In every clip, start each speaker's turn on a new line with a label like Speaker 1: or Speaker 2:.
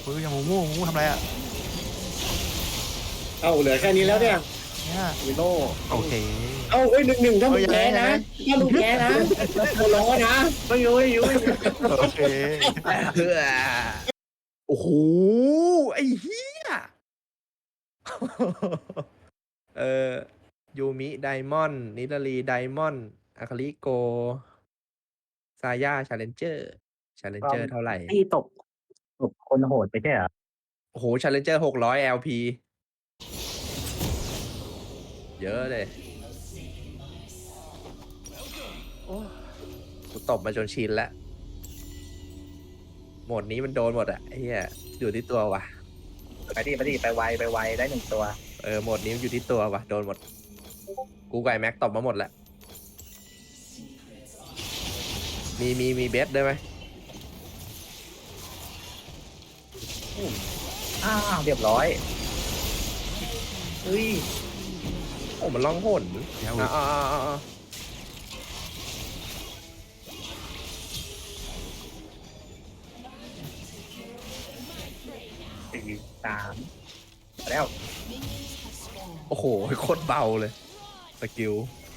Speaker 1: เฮ้ยอย่างหมูมูหมูมูทำอะไรอ่ะ
Speaker 2: เอ้าเหลือแค่นี้แล้วเนี่ย
Speaker 1: เนี่ย
Speaker 2: วิโน่
Speaker 1: โอเค
Speaker 2: เอ้าเอ้ย1-1ถ้ามึงแพ้นะ
Speaker 1: เฮ้ยยังไง
Speaker 2: ถ้ามึงแพ้นะกูร้องนะไม่รู้ไม่รู้
Speaker 1: โอเค
Speaker 3: เฮ้อโอ้โหไอ้เหี้ยเออยูมิไดมอนด์นิลารีไดมอนด์อาคาริโกซาย่าชาเลนเจอร์เท่าไหร่
Speaker 4: ที่ตกคนโหดไปใช่เหรอ
Speaker 3: โอ้โหชาเลนเจอร์600 LP เยอะเลยโอ้กูตบมาจนชินแล้วโหมดนี้มันโดนหมดอะไอ้เหี้ยอยู่ที่ตัววะ
Speaker 4: ไปดิไปไวได้1 ตัว
Speaker 3: โหมดนี้มันอยู่ที่ตัววะโดนหมด กูไก่แม็กตบมาหมดแล้วมีเบสได้ไหม
Speaker 4: เรียบร้อยเฮ้ย
Speaker 3: โอ้มันล่องหน
Speaker 1: เดี๋ยว
Speaker 3: อ่า
Speaker 4: 4 3แล้ว
Speaker 3: โอ้โหโคตรเบาเลยสกิล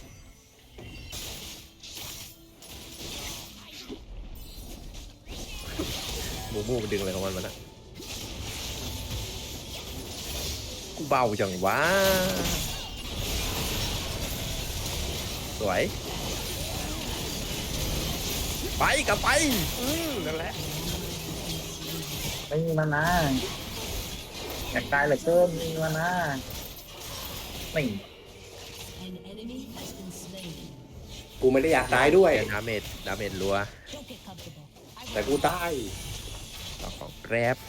Speaker 3: หมูมันดึงอะไรของมันมานะกูเบาจังวะสวยไปกลับไปนั่นแหละ
Speaker 4: ไม่มีมานะอยากตายเหลือเกินมีมานะไม่
Speaker 5: An enemy has been slain.
Speaker 2: กูไม่ได้อยากตายด้วย
Speaker 3: ดาเมจรัว
Speaker 5: Don't get comfortable.
Speaker 2: แต่กูตาย
Speaker 3: ต่อของแกรบ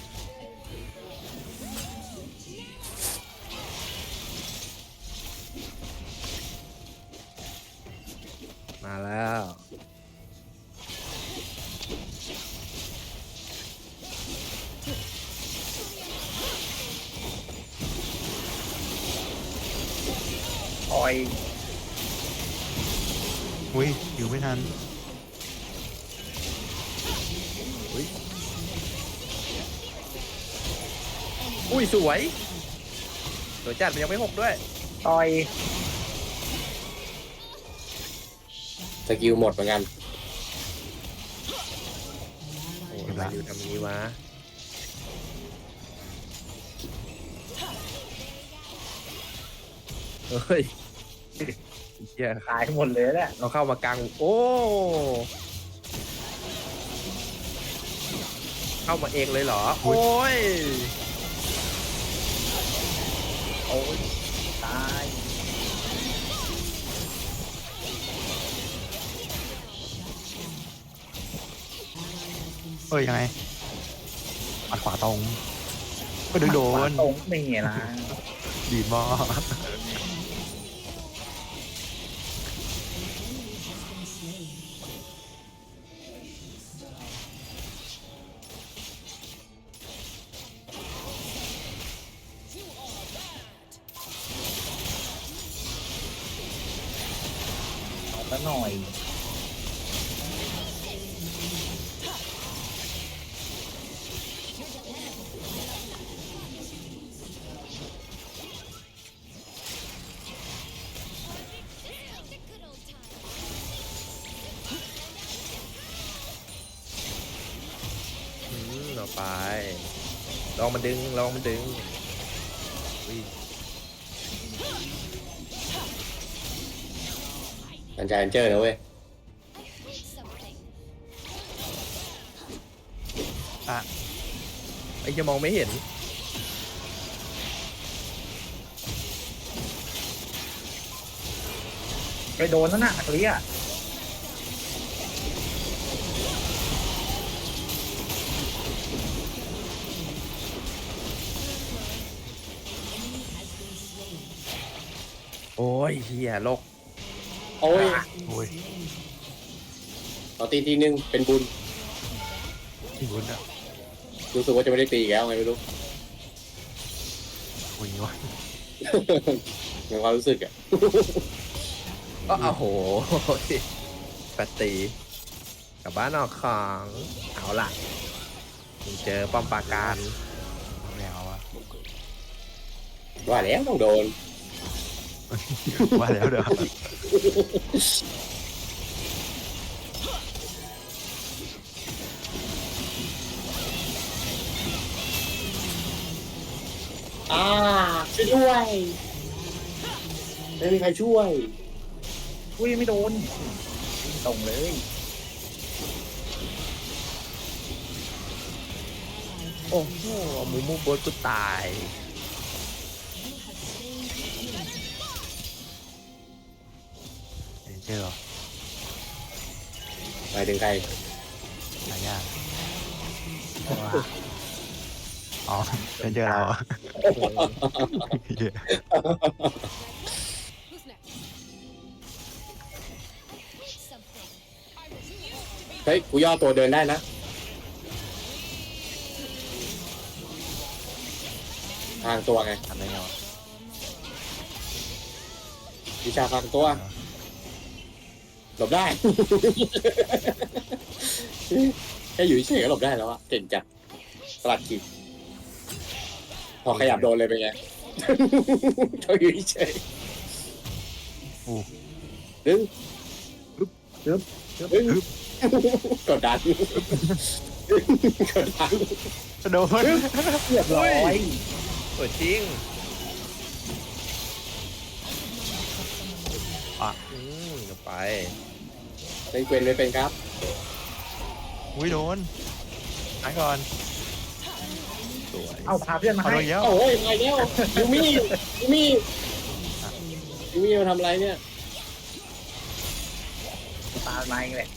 Speaker 3: มาแล้ว
Speaker 4: ออย
Speaker 1: อุ้ยอยู่ไม่ทัน
Speaker 3: อุ้ยสวยจัดมันยังไม่หกด้วย
Speaker 4: ต่อย
Speaker 2: สกิลหมดเหมือนกัน
Speaker 3: โอ้ยทำไมอยู่ทำนี้วะเฮ้ยเฮีย
Speaker 4: ตายหมดเลยแหละ
Speaker 3: เราเข้ามากลางโอ้เข้ามาเองเลยเหรอ โอ้ย
Speaker 4: โอ้ยตาย
Speaker 1: เอ้ยยังไงปัดขวาตรงก็โดน
Speaker 4: ตรงนี่นะ
Speaker 1: ดีมาก
Speaker 4: เอาซะหน่อย
Speaker 3: ต่อไปลองมันดึงอุ้ย
Speaker 2: สัญญาณเจอนะเว้ย
Speaker 1: อ่ะ
Speaker 3: ไอ้จะมองไม่เห็น
Speaker 4: ไปโดนนั่นน่ะเคลียร์
Speaker 3: โอ้ยเฮียโลก
Speaker 2: โอ้ย
Speaker 1: โอ้ย
Speaker 2: ต่อตีทีนึงเป็นบุญ
Speaker 1: ที่บุญอ่ะ
Speaker 2: รู้สึกว่าจะไม่ได้ตีอีกแล้วไงไม่รู้
Speaker 1: โอ้ยวะ
Speaker 2: ในความรู้สึกอ่ะ
Speaker 3: ก็โอ้โหปตีกลับบ้านออกของเอาล่ะมึงเจอป้อมปราการ
Speaker 2: ว่าแล้วต้องโดน
Speaker 1: ว่าแล้วเด้อ
Speaker 2: ช่วยด้วยไม่มีใครช่วย
Speaker 4: อุ้ยไม่โดนตรงเลย
Speaker 3: โอ้โหมูมูโบสกูตาย
Speaker 1: เจอเหรอ
Speaker 2: ไปถึงใคร
Speaker 1: หายากอ๋อเป็นเจอเราเหรอเหี้ย
Speaker 2: เฮ้ยกูย่อตัวเดินได้นะทางตัวไง
Speaker 1: ทำได้ไงวะ
Speaker 2: วิชาทางตัวหลบได้ แค่อยู่เฉยๆก็หลบได้แล้วอะเก่งจัดตลาดขีดพอขยับโดนเลยเป็นไง เขาอยู่เฉย
Speaker 1: อู้
Speaker 2: ดึง
Speaker 4: จึ๊บ
Speaker 2: ดึงกดดันกดดัน
Speaker 1: โดน
Speaker 4: เรียบร้อย
Speaker 3: สวยจริง เดี๋ยวไป
Speaker 2: เป็นเกวนไม่เป็นครับ
Speaker 1: อุ้ยโดนหายก่อน
Speaker 3: สวย
Speaker 4: เอาพาเพื่อนมา
Speaker 1: เอา
Speaker 4: ให้
Speaker 1: โดนเยอะ
Speaker 2: โอ้ยมาแล้วยูมี่ยูมี่ยูมี่มาทำอะไรเนี่ย
Speaker 4: ตามมาเองแหละ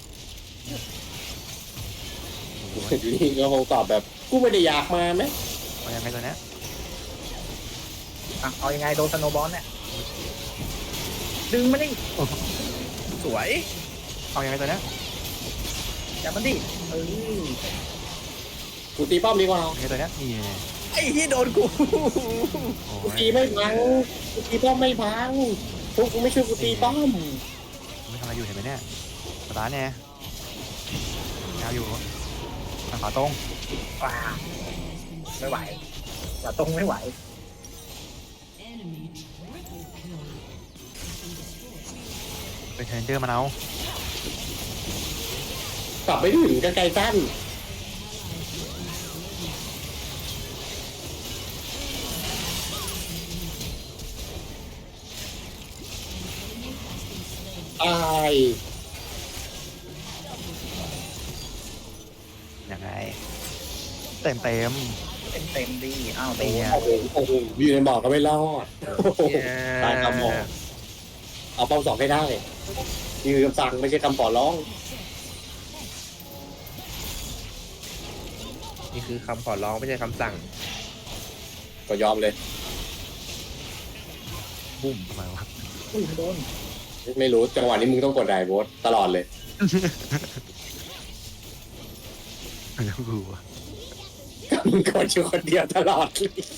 Speaker 2: ยูมี่ก็คงตอบแบบกูไม่ได้อยากมาไหม
Speaker 1: เอายังไงตัวเนี้ย
Speaker 4: อ่ะเอายังไงโดนสโนว์บอลเนี่ยดึงมาดิ
Speaker 3: สวย
Speaker 1: เอายังไงตัวเนี้ย
Speaker 4: จับมันดิเออ
Speaker 2: กูตีป้อมดีกว่า
Speaker 1: เอายังไงตัวเนี้ยนี่ไง
Speaker 3: ไอ้ที่โดนกู
Speaker 1: โอ้
Speaker 2: กู
Speaker 1: ย
Speaker 2: ตีไม่พังกูตีป้อมไม่พังพวกกูไม่ช่วยกูตีป้อม
Speaker 1: ไม่ทำอะไรอยู่เห็นไหมเนี่ยสตาร์ทเนี่ยยาวอยู่ทางขวาตรง
Speaker 4: ว้าไม่ไหวอย่าตรงไม่ไหว
Speaker 5: Enemy triple kill.
Speaker 1: เป็นเทรนเจอร์มาเอา
Speaker 2: กลับไปถึงกันไกลสั้นตาย
Speaker 1: ยังไงเต็ม
Speaker 4: เต็มดีอ้าวโด
Speaker 1: ตี
Speaker 4: น
Speaker 1: เนี่ย
Speaker 2: โอ้โหอยู่ในหมอกก็ไม่รอดตายคำบอกเอาป้อมสองให้ได้นี่คือคำสั่งไม่ใช่คำขอร้อง
Speaker 3: นี่คือคำขอร้องไม่ใช่คำสั่ง
Speaker 2: ก็ยอมเลย
Speaker 1: บุ้มทำไมวะ
Speaker 4: อุ้ยโดน
Speaker 2: ไม่รู้จังหวะนี้มึงต้องกดไดโบสตลอดเลย
Speaker 1: ไม่รู้อะ
Speaker 2: มึงกดอยู่คนเดียวตลอด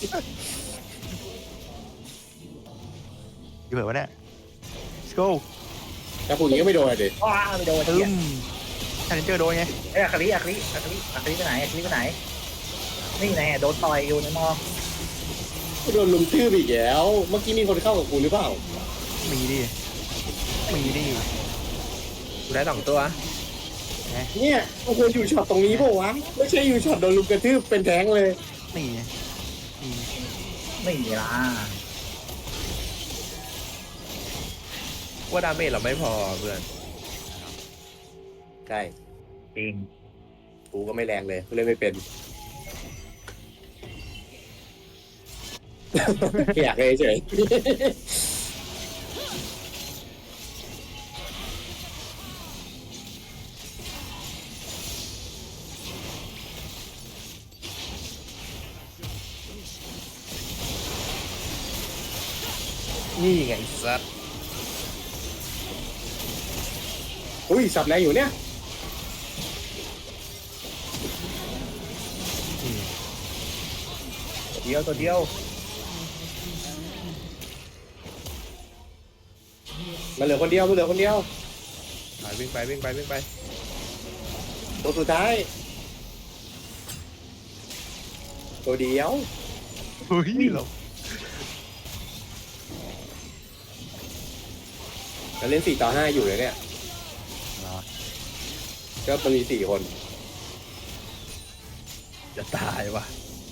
Speaker 1: อยู่แบบวะเนี่ย let's go
Speaker 2: ถ้าพูดอย่างนี้ก็ไม่โดนเลยดิ
Speaker 4: ว้าไม่โดน
Speaker 1: ตึ้
Speaker 4: เหี้ย
Speaker 1: มเทรนเจอร์โดนไง
Speaker 4: เอ้ยอาคาริไปไหนอาคาริไปไหนนี่ไงโดนต่อยอยู่ในมอ
Speaker 2: โดนลุมทืบอีกแล้ว เมื่อกี้มีคนเข้ากับกูหรือเปล่า
Speaker 1: มีดิมีดิ
Speaker 3: กูได้2 ตัว
Speaker 2: เนี่ยมันควรอยู่ช็อตตรงนี้เปล่าวะ ไม่ใช่อยู่ช็อตโดนลุมกระทืบเป็นแท้งเลย
Speaker 1: นี่ไงนี่
Speaker 4: ไม่มีละ
Speaker 3: ว่าดาเมจเราไม่พอเพื่อน
Speaker 2: ใช่
Speaker 4: จริง
Speaker 2: กูก็ไม่แรงเลยกูเล่นไม่เป็น อยากเลยเฉย
Speaker 3: นี่ไงสัตว์
Speaker 2: อุ้ยสับแรงอยู่เนี่ย
Speaker 4: ตัวเดียว
Speaker 2: มันเหลือคนเดียวมันเหลือคนเดียว
Speaker 3: ไปวิ่งไปวิ่งไปวิ่งไป
Speaker 2: ตัวสุดท้าย ตัวเดียว
Speaker 1: เฮ้ยเรา
Speaker 2: เราเล่น4-5อยู่เลยเนี่ย
Speaker 1: เหรอ
Speaker 2: ก็มันมี4 คน
Speaker 3: จะตายว่ะ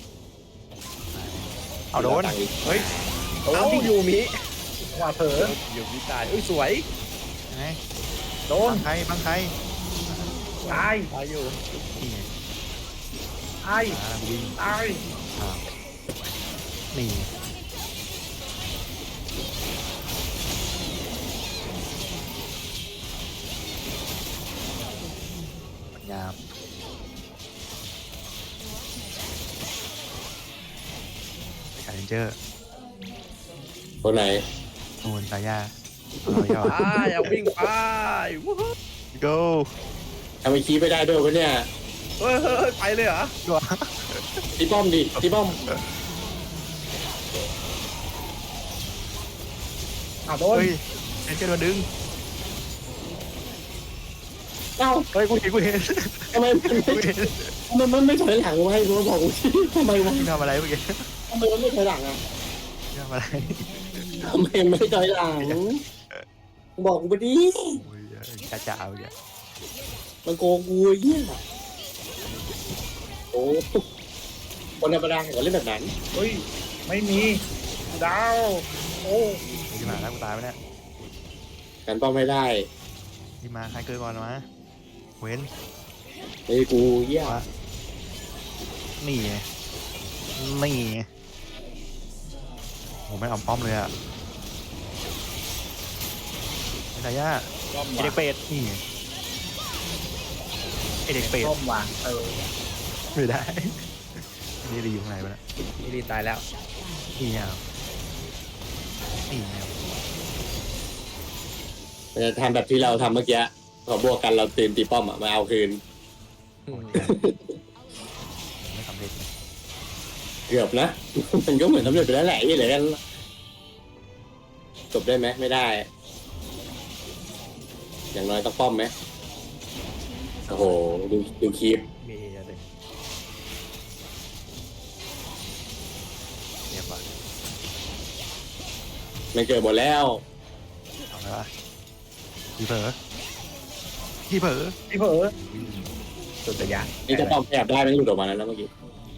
Speaker 1: เอาโดน เฮ้ย
Speaker 3: เอ้ายูมิ
Speaker 4: ว่าเผลอ
Speaker 3: ยูมิตายอุ้ยสวย
Speaker 1: ยังไง
Speaker 4: โดน
Speaker 1: บังใครบังใคร
Speaker 4: ตาย
Speaker 3: ตายอยู่
Speaker 1: นี่ไง
Speaker 4: ตาย
Speaker 1: วิ่ง
Speaker 4: ตาย
Speaker 1: อ้าวนี่งามชาเลนเจอร์
Speaker 2: คนไหน
Speaker 1: นูนสายาเอาอย่า
Speaker 3: อย่าวิ่งไปวู้ฮู้
Speaker 1: go
Speaker 2: ทำไมคีบไม่ได้ด้วยวะเนี่ย
Speaker 3: เฮ้ยเฮ้ยไปเลยเหรอ
Speaker 1: ตัว
Speaker 2: ตีป้อมดิตีป้อม
Speaker 4: เอาโดน
Speaker 1: เฮ้ยเอ็นเจอร์โดนดึง
Speaker 2: เอ้า
Speaker 1: เฮ้ยกูเห็นกูเห็น
Speaker 2: ทำไม
Speaker 1: กูเห็น
Speaker 2: มันไม่ถอยหลังวะให้กูบอกกูสิทำไมวะ
Speaker 1: มึงทำอะไรเมื่อกี้
Speaker 2: ทำไมมันไม่ถอยหลังอ่ะ
Speaker 1: มึงทำอะไร
Speaker 2: ทำไมไม่ถอยหลังบอกกูไปดิ
Speaker 1: โอ้ยจ้าจ๋าเมื่อกี้
Speaker 2: มันโกงกูไอ้เหี้ยโอ้คนธรรมดาเขาเล่นแบบนั้น
Speaker 4: เฮ้ยไม่มีดาวโอ้
Speaker 1: ที่มาแล้วกูตายไปเนี่ย
Speaker 2: กันป้อมไม่ได้
Speaker 1: ที่มาใครเกิดก่อนวะเว้น
Speaker 2: ไอ้กูเหี้ย
Speaker 1: นี่ไงนี่ไงโหไม่เอาป้อมเลยอ่ะไอ้สายา
Speaker 4: ร่ม
Speaker 1: ไอเด็กเป็ดนี่ไงไอเด็กเป็ด
Speaker 4: ร่มว่ะ
Speaker 1: ไม่ได้นี่รีอยู่ข้างในวะเนี่ย
Speaker 3: นี่ดีตายแล้ว
Speaker 1: นี่ไงนี่ไง
Speaker 2: มันจะทำแบบที่เราทำเมื่อกี้ขอบวกกันเราตื่นตีป้อมอ่ะมาเอาคืน
Speaker 1: ไม่สำเร็จเลย
Speaker 2: เกือบนะ มันก็เหมือนสำเร็จไปแล้วแหละยี่เหลือกันจบได้ไหมไม่ได้ อย่างน้อยต้องป้อมไหมโอ้โหดูคลิป
Speaker 3: มีอะไร
Speaker 1: เรียบร้อย
Speaker 2: มันเกิดหมดแล้ว
Speaker 1: เอาละวะพี่เผลอพี่เผลอ
Speaker 4: พี่เผลอสุดยอด
Speaker 2: นี่ถ้าป้อมแอบได้มันหลุดออกมาแล้วนะเมื่อกี้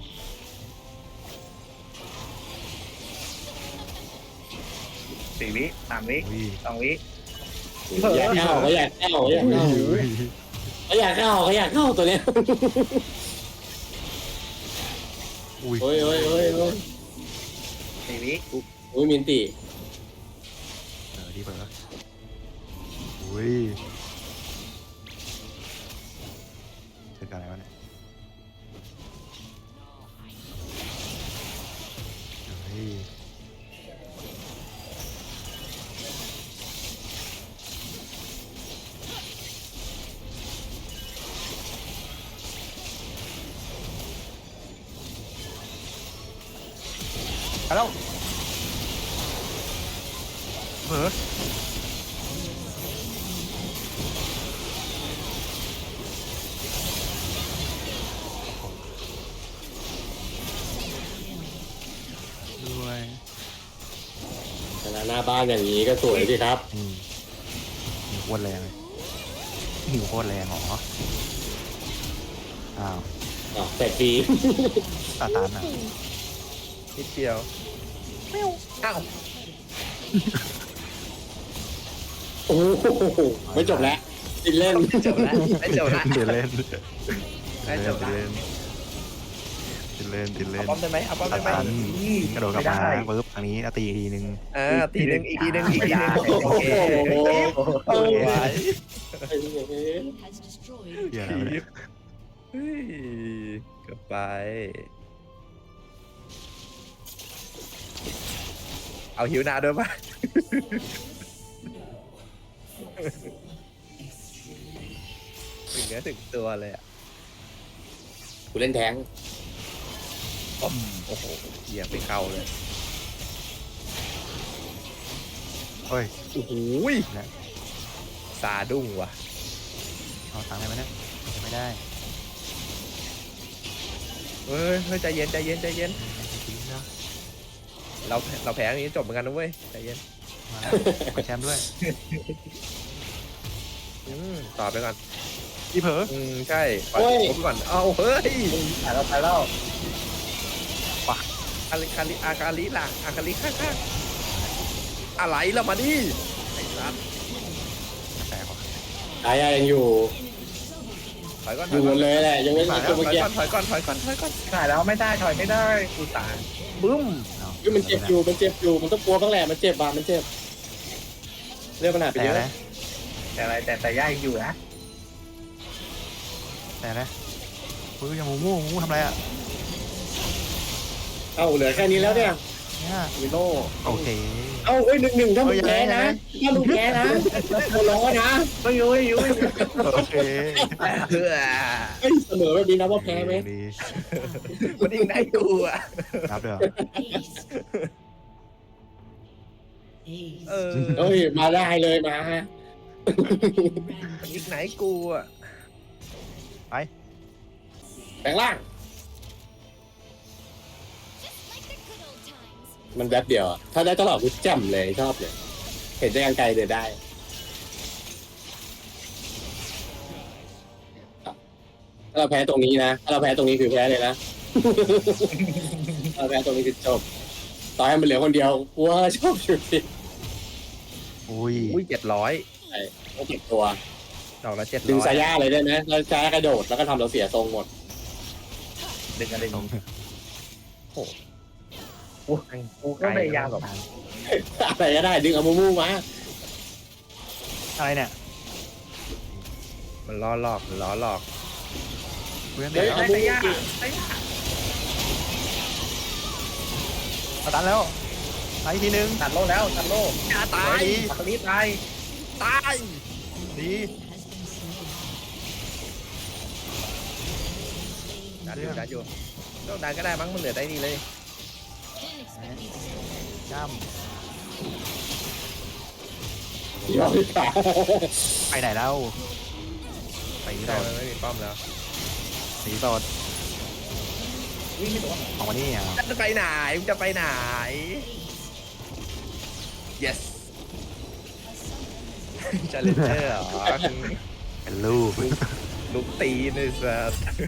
Speaker 4: 4 วิ3 วิ
Speaker 1: อุ้ย
Speaker 4: 2 วิ
Speaker 2: อยากเข้าเขาอยากเข้าเขาอยากเข้า
Speaker 1: อุ้ย
Speaker 2: เขาอยากเข้าเขาอยากเข้าตัวเนี้ย
Speaker 1: อุ้ย
Speaker 2: โอ้ยโอ้ยโอ้ยโอ้ย
Speaker 4: 4 วิ
Speaker 2: โอ้ยมินติ
Speaker 1: พี่เผลออุ้ยเจอกันอะไรวะเนี่ยเฮ้ยไปแล้วเผลอด้วย
Speaker 2: ชนะหน้าบ้านอย่างนี้ก็สวยสิครับ
Speaker 1: หิวโคตรแรงเลยหิวโคตรแรงเหรออ้าว
Speaker 2: อ๋อแต่ฟรี
Speaker 1: ตาตานอ่ะ
Speaker 3: นิดเดียวอ้าว
Speaker 2: โอ้โหไม่จบแล้วติดเล่น
Speaker 3: จบแล้วไม่จบแล้ว
Speaker 1: ติดเล่น
Speaker 3: ไม่จบแล้ว
Speaker 1: ติดเล่นติดเล่
Speaker 3: เอา
Speaker 1: น
Speaker 3: ป้อมได้ไหมเอาป้อม
Speaker 1: ตา
Speaker 3: ได้ไหม
Speaker 1: ตานกระโดดกลับมาปึ๊บทางนี้ตีอีกทีนึง
Speaker 3: ตีหนึ่งอีกทีหนึ่งอีกทีหนึ่งโอเค
Speaker 2: โอ้โห
Speaker 3: ไว้
Speaker 5: has destroyed
Speaker 1: เหี้ยอะไรวะเนี่ย
Speaker 3: เฮ้ยเกับไป เอาหิวนาด้วยปะถึงเนื้อถึงตัวเลยอ่ะ
Speaker 2: กูเล่นแทง
Speaker 3: โอ้โหเหยียบไปเข้าเลย
Speaker 1: เฮ้ย
Speaker 3: โอ้โหซาดุ้งว่ะ
Speaker 1: เอาตังค์ได้ไหมเนี่ยไม่ได้
Speaker 3: เฮ้ยเฮ้ยใจเย็นใจเย็นใจเย็น เราแพ้อย่างนี้จบเหมือนกันนะเว้ยใจเย็น
Speaker 1: มาแล้วขอแชมป์ด้วย
Speaker 3: ต่อไปก่อน
Speaker 1: อีเผลอ
Speaker 3: ใช่ปล่อยผมก่อนเอาเฮ้ย
Speaker 4: ถ่ายแล้วถ่ายแล้ว
Speaker 3: อาคาลิล่ะอาคาลิข้างๆอะไรล่ะมาดิไอ้สัส
Speaker 1: แตกว่ะ
Speaker 2: ตายยังอยู่
Speaker 3: ถอยก่อน
Speaker 2: อยู่หมดเลยแหละยังไม่
Speaker 3: ถ
Speaker 2: มี
Speaker 3: อย
Speaker 2: ตัวเมื่อกี้
Speaker 3: ก่อน
Speaker 4: ถ่ายแล้วไม่ได้ถอยไม่ได้กูตาย
Speaker 3: บึ้ม
Speaker 1: เอา
Speaker 2: มันเจ็บอยู่มันเจ็บอยู่มันต้องกลัวบ้างแหละมันเจ็บบ้ามันเจ็บเรื่องปัญหาไป
Speaker 1: แต่
Speaker 2: เยอะ
Speaker 1: นะ
Speaker 4: แต่อะไรแต่ย่ายังอยู่นะ
Speaker 1: แต่นะอุ้ยยังมูทำอะไรอ่ะ
Speaker 2: เอ้าเหลือแค่นี้แล้วเนี่ย
Speaker 1: เนี่ย
Speaker 2: วิโน่
Speaker 1: โอเค
Speaker 2: เอ้าเอ้ย1-1ถ้ามึงแพ้นะถ้ามึงแพ้นะกูร้องนะ
Speaker 4: ไม่อยู่ไม่อยู่
Speaker 1: โอเค
Speaker 3: เพื่อ
Speaker 2: เฮ้ยเสมอแบบนี้นะว่าแพ้ไหม
Speaker 1: ดี
Speaker 3: มันยิงได้กูอ่ะ
Speaker 1: นับเด้อ
Speaker 5: Ace. Ace.
Speaker 2: เอ้ยมาได้เลยมา
Speaker 3: มันยิงไหนกูอ่ะ
Speaker 2: แปลงร่าง มันแป๊บเดียวอะถ้าได้ตลอดกูแจ่มเลยชอบเลย เห็นได้ไกลๆเดินได้ถ้าเราแพ้ตรงนี้นะถ้าเราแพ้ตรงนี้คือแพ้เลยนะ ถ้าเราแพ้ตรงนี้คือจบต่อให้มันเหลือคนเดียวกูว่าชอบอยู่ดี
Speaker 1: อุ้ย
Speaker 3: อุ้ย700
Speaker 2: ต้องเก็บตัว
Speaker 3: ดอกละ700
Speaker 2: ดึงสายย่าเลยได้ไหมแล้วสายย่ากระโดดแล้วก็ทำเราเสียทรงหมด
Speaker 4: ดึงอะไร
Speaker 1: ตรง
Speaker 4: กูก็พยายามแบบ
Speaker 2: อะไรก็ได้ดึงเอามูมูมา
Speaker 1: อะไรเนี่ย
Speaker 3: มันล้อหลอก
Speaker 1: เพื่อน
Speaker 2: เฮ้
Speaker 1: เดี๋
Speaker 2: ย
Speaker 1: ยว
Speaker 2: เอามูมู
Speaker 1: มาตันแล้วไปอีกทีนึง
Speaker 4: ตัดโลแล้วตัดโล
Speaker 3: อย่าตาย
Speaker 4: อัคลีตาย
Speaker 3: ตาย
Speaker 1: ดี
Speaker 3: ดันอยู่ต้องดันก็ได้มั้งมันเหลือได้นี่เลย
Speaker 1: ย่
Speaker 2: ยอมขา
Speaker 1: ำไปไหนแล้วสีส
Speaker 3: ได้
Speaker 1: ด
Speaker 3: มันไม่มีป้อมแล้ว
Speaker 1: สีสด
Speaker 4: วิ่งไม่ตัว
Speaker 1: ออกมานี่อ่ะ
Speaker 3: จะไปไหนมึงจะไปไหน yes จะเล่นเจอร์เหรอ
Speaker 1: เป็นลูก
Speaker 3: ลูกตีนไอ้สัส